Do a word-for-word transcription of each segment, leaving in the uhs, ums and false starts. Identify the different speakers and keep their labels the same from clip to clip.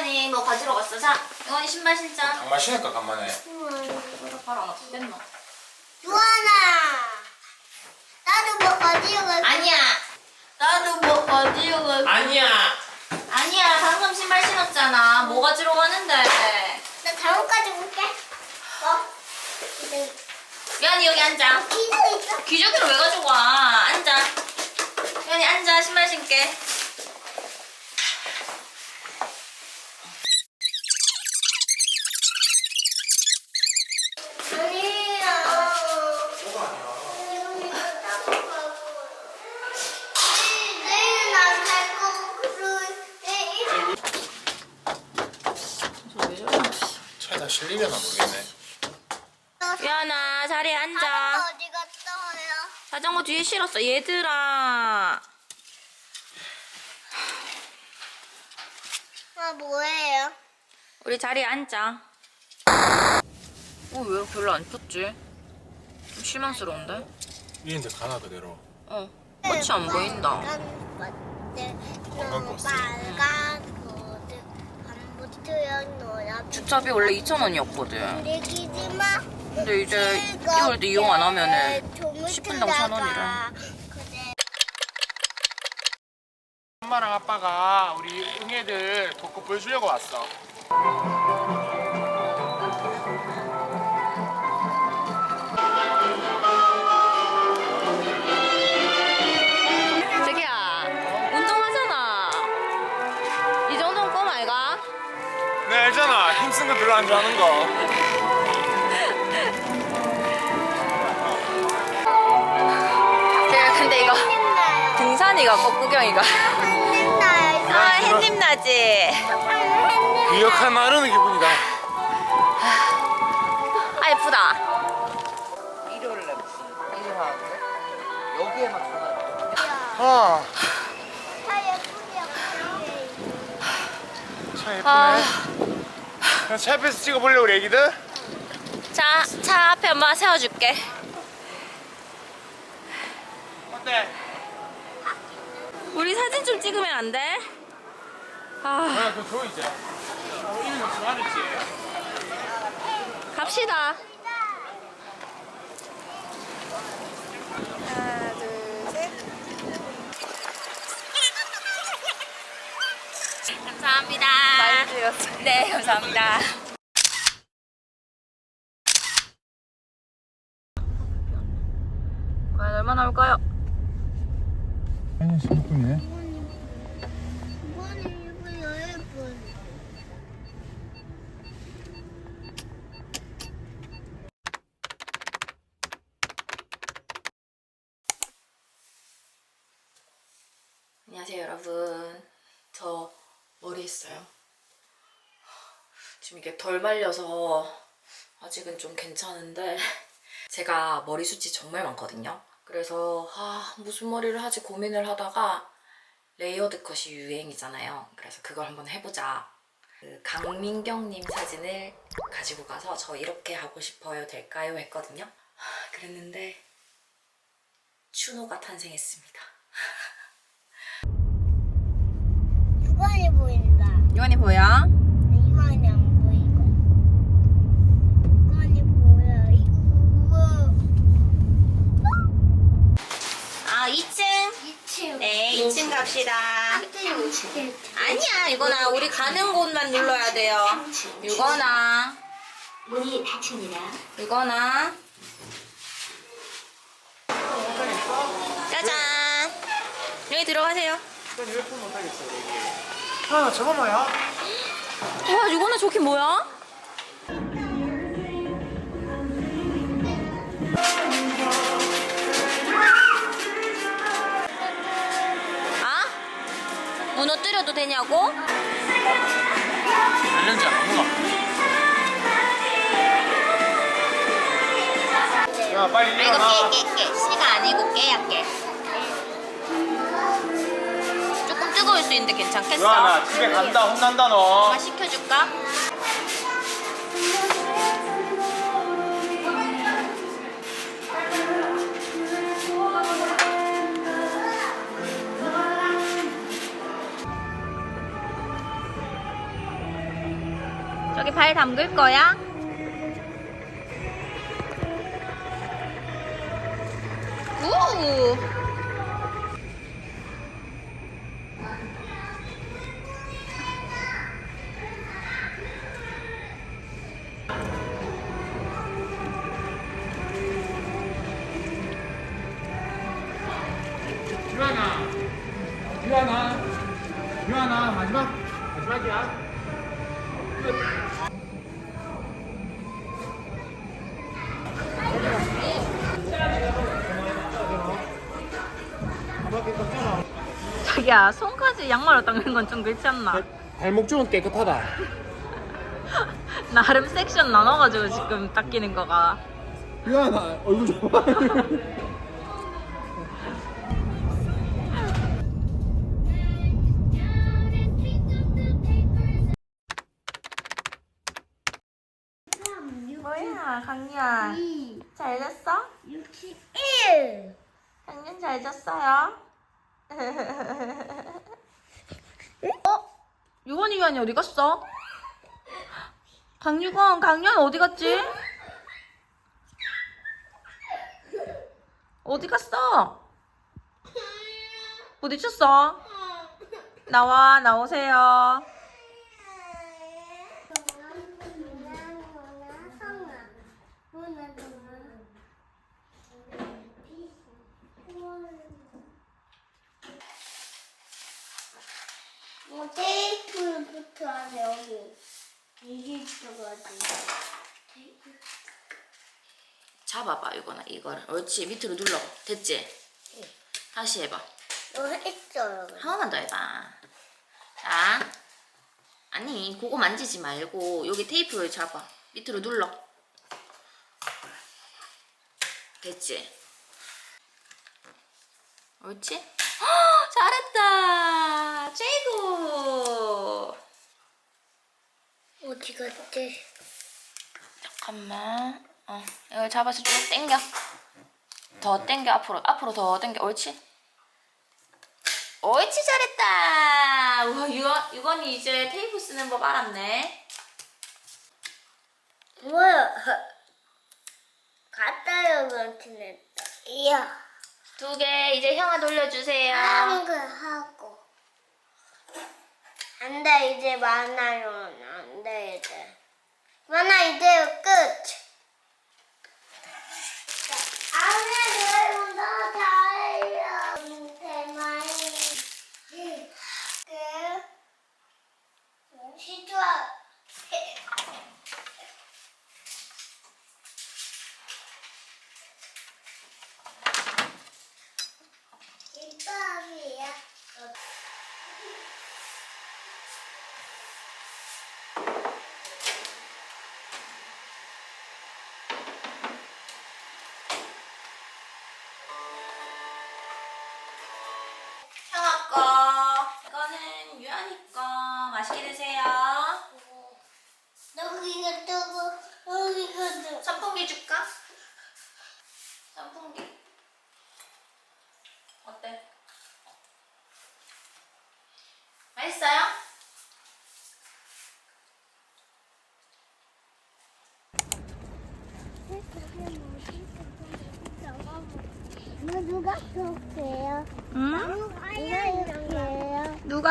Speaker 1: 유한이 뭐 가지러 갔어. 자, 유한이 신발 신자.
Speaker 2: 장마 신을까 간만에.
Speaker 1: 이거 바로 안 아프겠나?
Speaker 3: 유한아, 나도 뭐 가지고 갈.
Speaker 1: 아니야.
Speaker 3: 나도 뭐 가지고 갈.
Speaker 2: 아니야.
Speaker 1: 아니야. 방금 신발 신었잖아. 뭐 가지러 가는데?
Speaker 3: 나 다음 가지고 올게. 어? 근데
Speaker 1: 유한이 여기 앉아.
Speaker 3: 기도 있어.
Speaker 1: 기저귀를 왜 가지고 와? 앉아. 유한이 앉아. 신발 신게.
Speaker 3: 아니야. 유한이가 따로 가고. 내일 나갈 거고 그리고 내일.
Speaker 1: 왜 저래?
Speaker 2: 차에다 실리려나 모르겠네.
Speaker 1: 유한아, 자리에 앉아.
Speaker 3: 어디 갔다 와요?
Speaker 1: 자전거 뒤에 실었어. 얘들아.
Speaker 3: 아 뭐예요?
Speaker 1: 우리 자리에 앉아. 어, 왜 별로 안 폈지? 좀 실망스러운데?
Speaker 2: 이인데 가나 그대로.
Speaker 1: 어, 꽃이 안 보인다.
Speaker 2: 관광버스.
Speaker 3: 빨간 버스 반부터야 너야.
Speaker 1: 주차비 원래 이천 원이었거든.
Speaker 3: 내기지 마.
Speaker 1: 근데 이제 이월 때 이용 안 하면은 십 분당 천 원이래.
Speaker 2: 엄마랑 아빠가 우리 응애들 벚꽃 보여주려고 왔어.
Speaker 1: 자기야, 운동하잖아. 이 정도는 껌 아이가?
Speaker 2: 네 알잖아. 힘쓴 거 별로 안 좋아하는 거.
Speaker 1: 제가 근데 이거 등산이가 꽃구경이가. 아, 햇님 나지?
Speaker 2: 유력한 나르는 기분이다.
Speaker 1: 아, 예쁘다.
Speaker 4: 일요일에 무슨 일을 하는데 여기에만 전화를
Speaker 2: 아, 차 예쁘네.
Speaker 1: 아.
Speaker 2: 그냥 차 앞에서 찍어볼래 우리 애기들?
Speaker 1: 자, 차 앞에 엄마 세워줄게.
Speaker 2: 어때?
Speaker 1: 우리 사진 좀 찍으면 안 돼? 아,
Speaker 2: 아, 그거 줘 이제. 어, 이미 좀 좋아했지.
Speaker 1: 갑시다.
Speaker 3: 하나 둘 셋.
Speaker 1: 감사합니다. 네, 감사합니다. 과연 얼마나 올까요?
Speaker 2: 아니 십육 분이네.
Speaker 3: 이번에 이거 열 분.
Speaker 1: 안녕하세요, 여러분. 저 머리 했어요. 지금 이게 덜 말려서 아직은 좀 괜찮은데 제가 머리숱이 정말 많거든요. 그래서 아, 무슨 머리를 하지 고민을 하다가 레이어드 컷이 유행이잖아요. 그래서 그걸 한번 해보자. 그 강민경님 사진을 가지고 가서 저 이렇게 하고 싶어요 될까요? 했거든요. 하, 그랬는데 추노가 탄생했습니다.
Speaker 3: 유관이 보인다.
Speaker 1: 유한이 보여?
Speaker 3: 유관이 안 보이고. 유관이 보여. 이거.
Speaker 1: 아, 이 층?
Speaker 3: 이 층.
Speaker 1: 네, 이 층 갑시다.
Speaker 3: 이 층.
Speaker 1: 아니야, 이거나 우리 가는 곳만 눌러야 돼요. 이거나
Speaker 3: 문이 닫힙니다.
Speaker 1: 이거나 짜잔. 여기 들어가세요.
Speaker 2: 난 휴대폰 못하겠어 여기. 아 저거 뭐야?
Speaker 1: 와, 이거는 저게 뭐야? 아? 무너뜨려도 되냐고?
Speaker 2: 알는지 안 먹어. 야 빨리
Speaker 1: 아,
Speaker 2: 일어나.
Speaker 1: 이거 깨, 깨, 깨. 씨가 아니고 깨야, 깨. 조금 뜨거울 수 있는데 괜찮겠어?
Speaker 2: 유한아 집에 간다 혼난다 너.
Speaker 1: 엄마 시켜줄까? 여기 발 담글 거야? 우!
Speaker 2: 유한아, 유한아, 유한아, 마지막, 마지막이야.
Speaker 1: 자기야, 손까지 양말로 닦는 건 좀 그렇지 않나?
Speaker 2: 발목 쪽은 깨끗하다.
Speaker 1: 나름 섹션 나눠가지고 지금 닦이는 거가.
Speaker 2: 유한아, 얼굴 좀 봐.
Speaker 1: 뭐야, 강유야. 잘 잤어?
Speaker 3: 육십일.
Speaker 1: 강유는 잘 잤어요? 어? 유건이 유한이 어디 갔어? 강유건, 강유한 어디 갔지? 어디 갔어? 부딪혔어? 나와, 나오세요.
Speaker 3: 뭐 테이프를 붙여야 돼 여기. 이게 있어가지고.
Speaker 1: 잡아봐, 이거나 이거를. 옳지, 밑으로 눌러. 됐지? 다시 해봐.
Speaker 3: 이거 했어요.
Speaker 1: 한 번만 더 해봐. 자, 아니, 그거 만지지 말고 여기 테이프를 잡아. 밑으로 눌러. 됐지? 옳지? 헉, 잘했다. 최고.
Speaker 3: 어디 갔지?
Speaker 1: 잠깐만. 어, 이걸 잡아서 쭉 당겨. 더 당겨, 앞으로. 앞으로 더 당겨. 옳지? 옳지, 잘했다. 우와, 유건, 유건이 이제 테이프 쓰는 법 알았네.
Speaker 3: 뭐야? 갔다요 같은했다. 이야.
Speaker 1: 두 개, 이제 형아 돌려주세요.
Speaker 3: 한거 하고. 안 돼, 이제 많아요. 안 돼, 이제. 많아, 이제 끝. 안에 들어온다, 달려. 대만이. 끝. 시주아. 이빨이야.
Speaker 1: 형아 거. 이거는 유한이 거. 맛있게 드세요.
Speaker 3: 여기가 뜨고, 여기가 뜨고.
Speaker 1: 선풍기 줄까? 선풍기. 어때? 맛있어요?
Speaker 3: 너 누가 쏠게요?
Speaker 1: 응?
Speaker 3: 누가 이렇게요?
Speaker 1: 누가?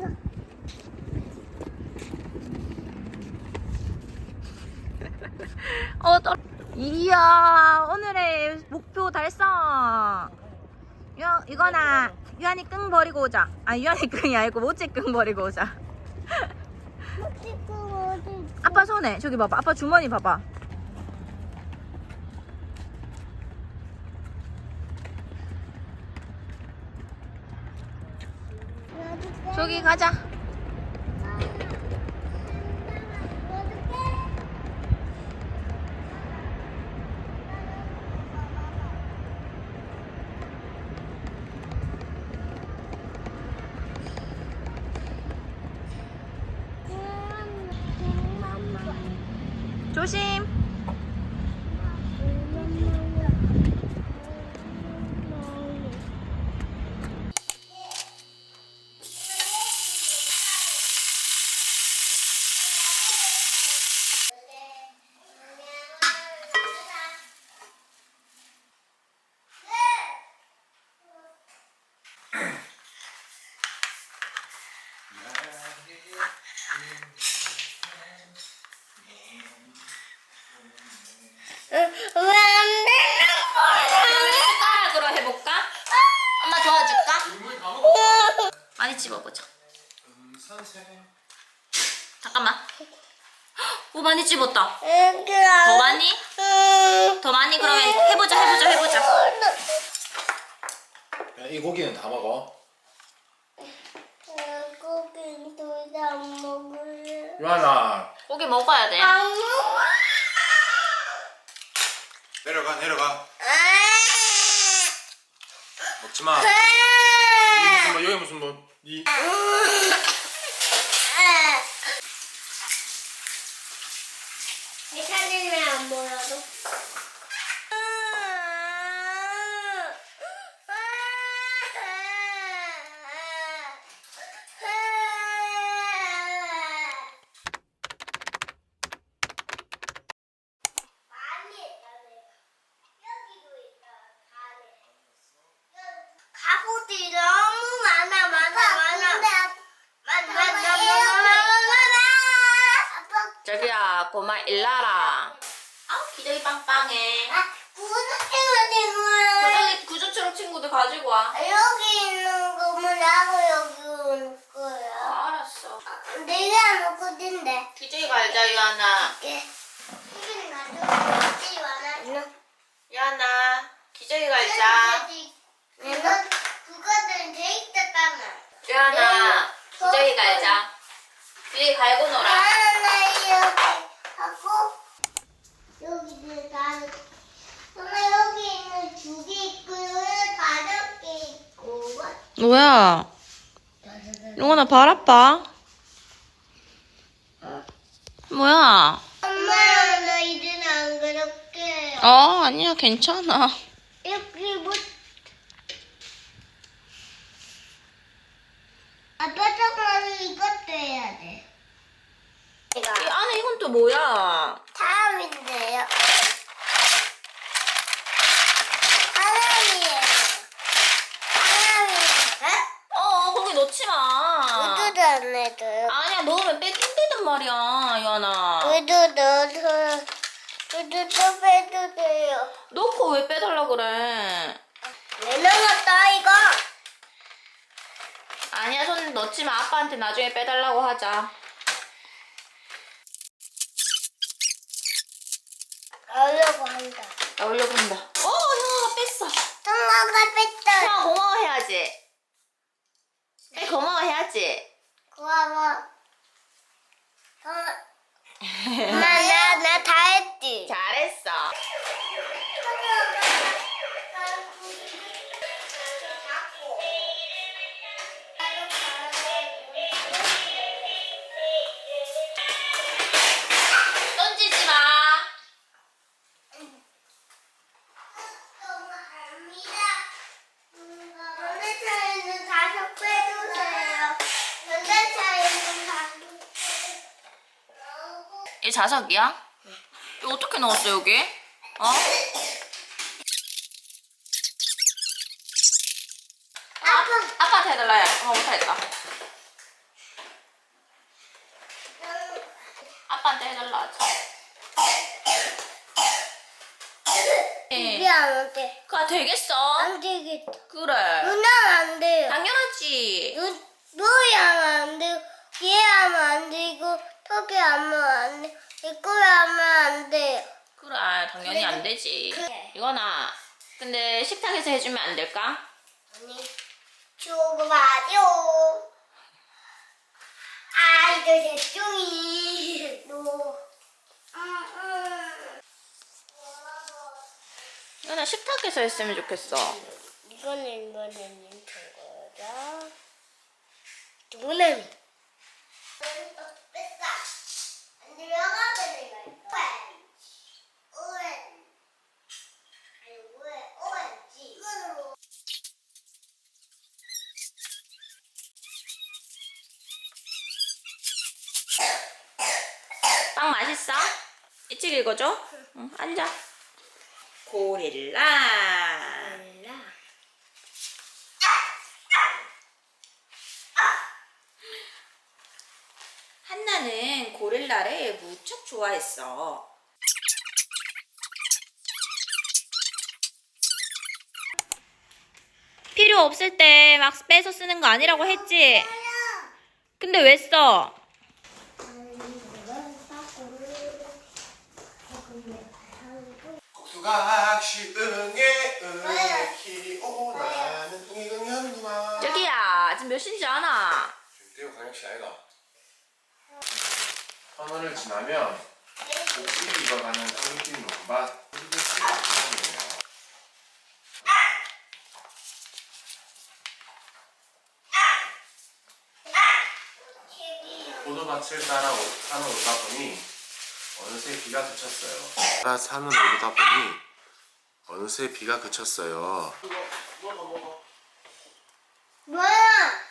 Speaker 1: 어, 떨... 이야, 오늘의 목표 달성. 유, 이거나 유한이 끙 버리고 오자. 아, 유한이 끙이 아니고 모찌 끙 버리고 오자. 아빠 손에 저기 봐봐. 아빠 주머니 봐봐. 저기 가자. 조심. 많이 찝어보자. 잠깐만. 오, 많이 찝었다. 더 많이? 더 많이 그러면 해보자 해보자 해보자.
Speaker 2: 야, 이 고기는 다 먹어.
Speaker 3: 고기 둘다 먹을래.
Speaker 2: 유한아.
Speaker 1: 고기 먹어야 돼.
Speaker 3: 안 먹어.
Speaker 2: 내려가 내려가. 먹지 마.
Speaker 3: 아.
Speaker 2: 여기 무슨 뭐 여기 무슨 뭐 이.
Speaker 3: 내 사진을 안 보여도. 가구들이 너무 많아 많아 많아. 많아 많아 많아 많아.
Speaker 1: 저기야, 고마 일나라. 아, 기저귀 빵빵해.
Speaker 3: 아, 구석탱이 되고요.
Speaker 1: 구저귀 구조처럼 친구들 가지고 와.
Speaker 3: 여기 있는 거면 나고 여기 올
Speaker 1: 아,
Speaker 3: 거야.
Speaker 1: 알았어.
Speaker 3: 내가 먹거든데.
Speaker 1: 기저귀 갈자, 유하나.
Speaker 3: 이게 이게 가지고 많아.
Speaker 1: 유하나, 기저귀 갈자.
Speaker 3: 내가 그거는 돼 있다잖아.
Speaker 1: 유하나, 기저귀 갈자. 기저귀 갈고 놀아.
Speaker 3: 하나 여기 하고 여기는 다. 엄마 여기 있는 두 개 있고 여기 다섯 개 있고.
Speaker 1: 뭐야? 용원아, 발 아파? 뭐야?
Speaker 3: 엄마 나 이제는 안 그렇게.
Speaker 1: 어, 아니야, 괜찮아.
Speaker 3: 여기 뭐? 아빠 정말 이것도 해야 돼.
Speaker 1: 이 안에 이건 또 뭐야?
Speaker 3: 다음인데요. 하나미예요. 하나미.
Speaker 1: 어, 거기 넣지 마.
Speaker 3: 우두도 안 해줘요.
Speaker 1: 아니야, 넣으면 뺏긴다단 말이야, 유하나.
Speaker 3: 우두 넣어서 우두도 빼도 돼요.
Speaker 1: 넣고 왜 빼달라 그래?
Speaker 3: 왜 넣었다 이거?
Speaker 1: 아니야, 손 넣지 마. 아빠한테 나중에 빼달라고 하자.
Speaker 3: 넣으려고 한다.
Speaker 1: 나오려고 한다. 어, 형아가 뺐어.
Speaker 3: 엄마가 뺐다.
Speaker 1: 형아 고마워해야지. 해, 고마워해야지.
Speaker 3: 고마워. 엄마 나 나 다 했지.
Speaker 1: 잘했어. 던지지 마.
Speaker 3: 전자차에는 다섯 빼주세요. 전자차에는 다섯
Speaker 1: 이 자석이야? 이거 어떻게 넣었어, 여기? 어?
Speaker 3: 아빠.
Speaker 1: 아빠한테 해달라 해. 엄마 못하겠다. 아빠한테 해달라 하지.
Speaker 3: 이게 안 돼.
Speaker 1: 그거 되겠어?
Speaker 3: 안 되겠다.
Speaker 1: 그래.
Speaker 3: 누나 안 돼요.
Speaker 1: 당연하지.
Speaker 3: 누, 너희 하면 안 되고, 얘 하면 안 되고, 턱이 하면 안 돼. 이거 하면 안 돼요.
Speaker 1: 그래, 당연히 안 되지.
Speaker 3: 그래.
Speaker 1: 이거나. 근데 식탁에서 해주면 안 될까?
Speaker 3: 아니, 주고 봐요. 아, 이거 대충이. 너. 음, 음.
Speaker 1: 이거나 식탁에서 했으면 좋겠어.
Speaker 3: 이거는, 이거는 인천 거다. 도나미. 뺐다. 안 들어가게 내가. 오렌지. 아니, 왜, 오렌지. 이거로.
Speaker 1: 빵 맛있어? 일찍 읽어줘. 응, 앉아. 고릴라.
Speaker 3: 몰라.
Speaker 1: 한나는 고릴라를 무척 좋아했어.
Speaker 5: 필요 없을 때 막 빼서 쓰는 거 아니라고 했지? 근데 왜 써?
Speaker 2: 국수가 시응에 응에 키오나는 이응현이마.
Speaker 1: 저기야, 지금 몇 시인지 아나?
Speaker 2: 대구 광역시 아이가. 터널을 지나면 옥수수 익어가는 황금 논밭 홀리데이예요. 포도밭을 따라 오- 산을 오다 보니 어느새 비가 그쳤어요. 따라 산을 오르다 보니 어느새 비가 그쳤어요.
Speaker 3: 뭐야?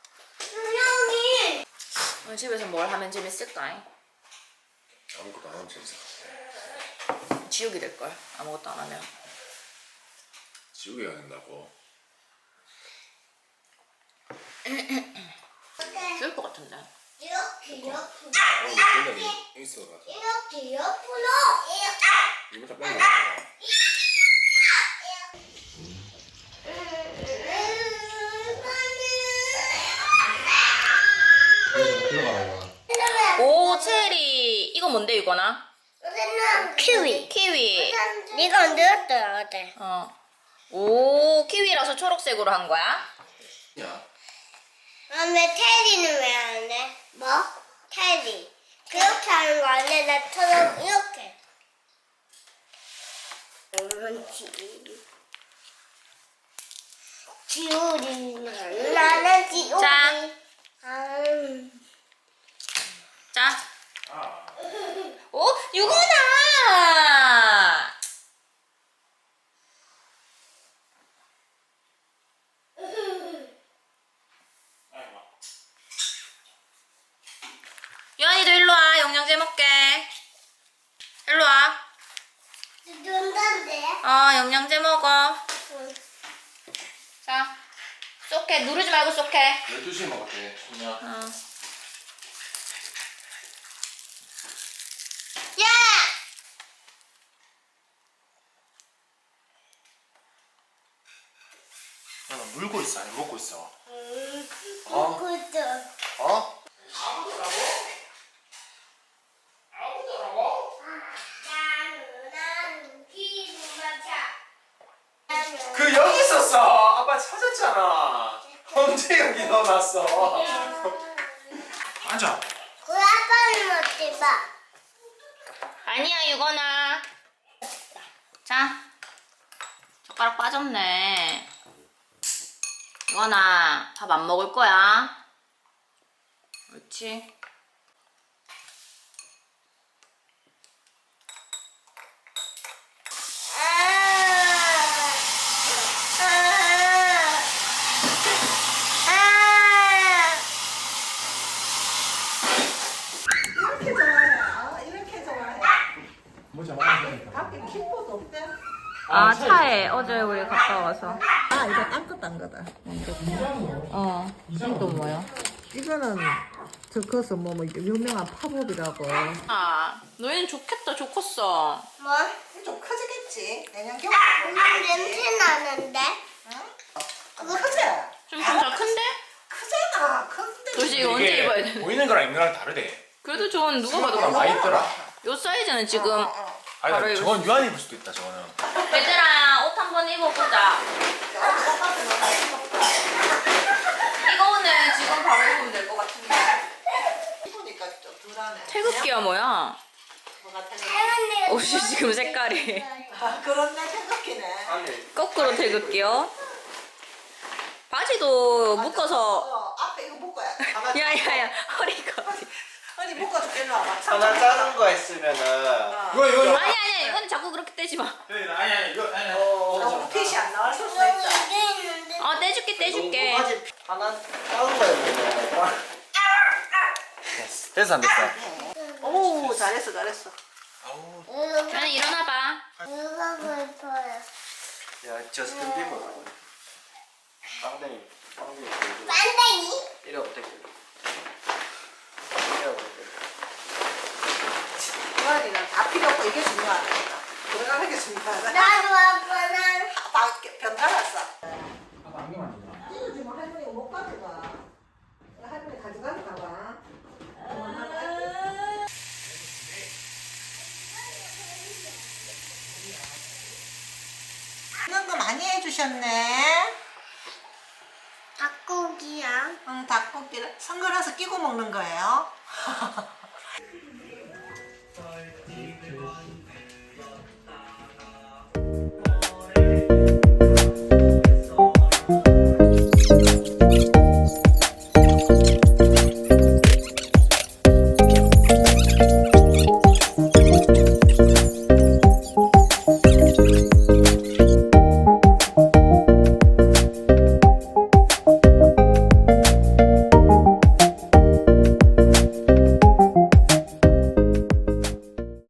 Speaker 3: 분명히
Speaker 1: 오늘 집에서 뭘 하면 재밌을까?
Speaker 2: 아무것도 안 하면 재밌을 것 같아.
Speaker 1: 지옥이 될걸, 아무것도 안 하면.
Speaker 2: 지우개가 된다고.
Speaker 1: 죽을 것 같은데.
Speaker 3: 이렇게 옆으로
Speaker 2: 어, 굉장히 있어가지고.
Speaker 3: 이렇게 옆으로
Speaker 2: 이거 다 빨리 먹어.
Speaker 1: 오, 체리. 이거 뭔데, 이거나?
Speaker 3: 키위.
Speaker 1: 키위.
Speaker 3: 네가 언제였더라 어제?
Speaker 1: 어. 오, 키위라서 초록색으로 한 거야?
Speaker 2: 야,
Speaker 3: 아왜 테디는 왜 안 해? 뭐? 테디. 그렇게 하는 거 안 해? 나처럼 이렇게. 그렇지. 지우리. 나는 지우리.
Speaker 1: 자.
Speaker 3: 음.
Speaker 1: 자.
Speaker 2: 아,
Speaker 1: 오, 이거나! 유한이도 일로 와. 영양제 먹게. 일로 와.
Speaker 3: 눈단데?
Speaker 1: 어, 영양제 먹어.
Speaker 3: 응.
Speaker 1: 자. 쏙해. 누르지 말고 쏙해.
Speaker 2: 열두 시에 먹었대, 소냐.
Speaker 1: 어.
Speaker 3: 야!
Speaker 2: 야, 너 물고 있어, 아니 먹고 있어?
Speaker 3: 음,
Speaker 2: 어?
Speaker 3: 먹고 있어.
Speaker 2: 어?
Speaker 3: 나는, 나는 기분마차.
Speaker 2: 그 여기 있었어. 아빠 찾았잖아. 언제 여기 넣어놨어? 앉아.
Speaker 3: 그 아빠는 어디 봐?
Speaker 1: 아니야, 유건아. 자. 젓가락 빠졌네. 유건아, 밥 안 먹을 거야. 옳지.
Speaker 6: 이렇게 좋아해. 아, 이렇게 좋아해.
Speaker 2: 뭐지?
Speaker 6: 밖에 킥보드 없대.
Speaker 1: 아, 차에 어제 우리 갔다 와서.
Speaker 6: 아, 이거 딴 거다, 딴 거다.
Speaker 1: 어. 이거 뭐야?
Speaker 6: 이거는 저것은 뭐, 뭐 유명한 팝업이라고.
Speaker 1: 아, 너희는 좋겠다, 좋겠어.
Speaker 3: 뭐?
Speaker 6: 좀 커지겠지. 내년 겨울.
Speaker 3: 엄마 냄새 나는데?
Speaker 6: 그거 크지?
Speaker 1: 좀 진짜 큰데?
Speaker 6: 크잖아. 큰데.
Speaker 1: 도대체 이거 언제 입어야 돼?
Speaker 2: 보이는 거랑 입는 거랑 다르대.
Speaker 1: 그래도 전 누가 봐도
Speaker 2: 그거랑 많이 있더라.
Speaker 1: 요 사이즈는 지금
Speaker 2: 아니,
Speaker 1: 바로
Speaker 2: 나 저건 유한이 입을 수도 있다, 저거는.
Speaker 1: 얘들아 옷 한번 입어보자. 이거는 지금 바로 입으면 될 것 같은데.
Speaker 6: 입으니까 좀 덜하네.
Speaker 1: 태극기야 뭐야?
Speaker 6: 뭐가 되게.
Speaker 1: 옷이 지금 색깔이
Speaker 6: 아, 그렇네. 태극기네.
Speaker 2: 아니.
Speaker 1: 거꾸로 태극기요. 바지도 묶어서
Speaker 6: 어, 앞에 이거 묶어야. 하나
Speaker 1: 야야야 허리가 어디?
Speaker 6: 아니, 묶어줄게. 일로 와봐.
Speaker 7: 하나 작은 거 있으면은
Speaker 2: 이거, 이거, 이거.
Speaker 1: 아니 아니 이건 자꾸 그렇게 떼지 마.
Speaker 2: 아니, 아니, 이거, 아니, 아니.
Speaker 6: 너무 핏이 안 나올 수도
Speaker 3: 여기
Speaker 6: 있다.
Speaker 3: 이게 있는데.
Speaker 1: 어 떼줄게 떼줄게.
Speaker 7: 농구바지 하나 작은 거 있으면 됐어. 됐어 안 됐어?
Speaker 6: 오, 잘했어, 잘했어.
Speaker 2: 아우.
Speaker 1: 주연이 일어나봐.
Speaker 3: 이거 예뻐요.
Speaker 7: 야, 저스틴 비버. 빵댕이. 빵댕이.
Speaker 3: 반댕이?
Speaker 7: 이래 어떻게? 이래 어떻게?
Speaker 6: 주환이는 다 필요 없고 이게 중요하다. 들어가는 게 중요하다.
Speaker 3: 나도 아빠는
Speaker 6: 다 변달았어.
Speaker 2: 안경만
Speaker 6: 해주셨네.
Speaker 3: 닭고기랑
Speaker 6: 응, 닭고기를 선글라스 끼고 먹는 거예요.